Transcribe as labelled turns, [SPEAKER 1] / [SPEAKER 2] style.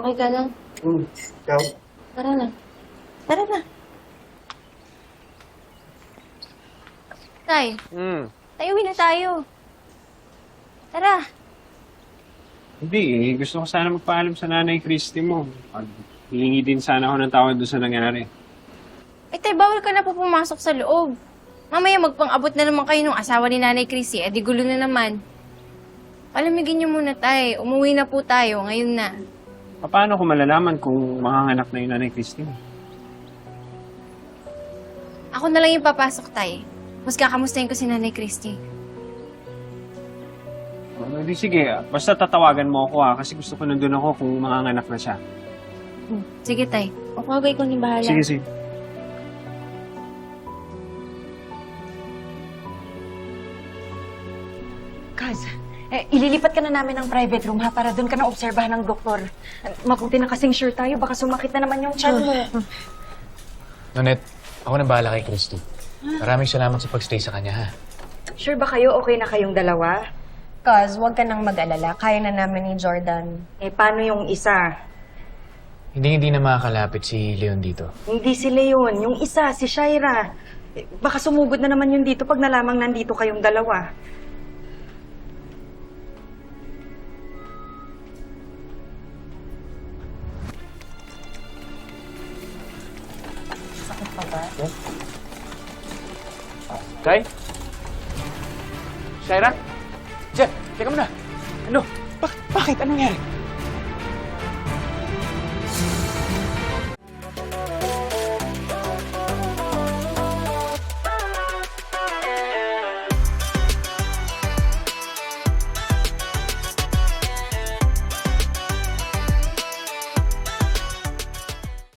[SPEAKER 1] Okay ka lang?
[SPEAKER 2] Ikaw?
[SPEAKER 1] Tara na. Tara na. Tay, uwi na tayo. Tara.
[SPEAKER 3] Hindi eh. Gusto ko sana magpaalam sa nanay Christy mo. Hihingi din sana ako ng tawad doon sa nangyari.
[SPEAKER 1] Eh, tay, bawal ka na po pumasok sa loob. Mamaya magpang-abot na naman kayo ng asawa ni Nanay Chrissy. Eh, di gulo na naman. Palamigin niyo muna, tay. Umuwi na po tayo. Ngayon na.
[SPEAKER 3] Paano ko malalaman kung manganganak na yung nanay Christy mo?
[SPEAKER 1] Ako na lang yung papasok, tay. Mas kakamustahin ko si Nanay Christy.
[SPEAKER 3] Hindi, sige. Basta tatawagan mo ako kasi gusto ko nandun ako kung manganganak na siya.
[SPEAKER 1] Sige, tay. O kagay ko ni bahala.
[SPEAKER 3] Sige, sige.
[SPEAKER 4] Kaz, ililipat ka na namin ng private room ha, para doon ka na obserbahan ng doktor. Mabuti na kasing sure tayo, baka sumakit na naman yung tiyan mo.
[SPEAKER 5] Nonet, ako na bahala kay Christy. Maraming salamat sa pagstay sa kanya, ha?
[SPEAKER 4] Sure ba kayo okay na kayong dalawa?
[SPEAKER 6] Cause, huwag ka nang mag-alala. Kaya na namin ni Jordan.
[SPEAKER 4] Eh, paano yung isa?
[SPEAKER 5] Hindi na makakalapit si Leon dito.
[SPEAKER 4] Hindi si Leon, yung isa, si Shaira. Eh, baka sumugod na naman yun dito pag nalamang nandito kayong dalawa.
[SPEAKER 6] Sakit pa ba?
[SPEAKER 5] Kai? Shaira? Jeff, teka muna. Ano? Bakit? Anong nangyari?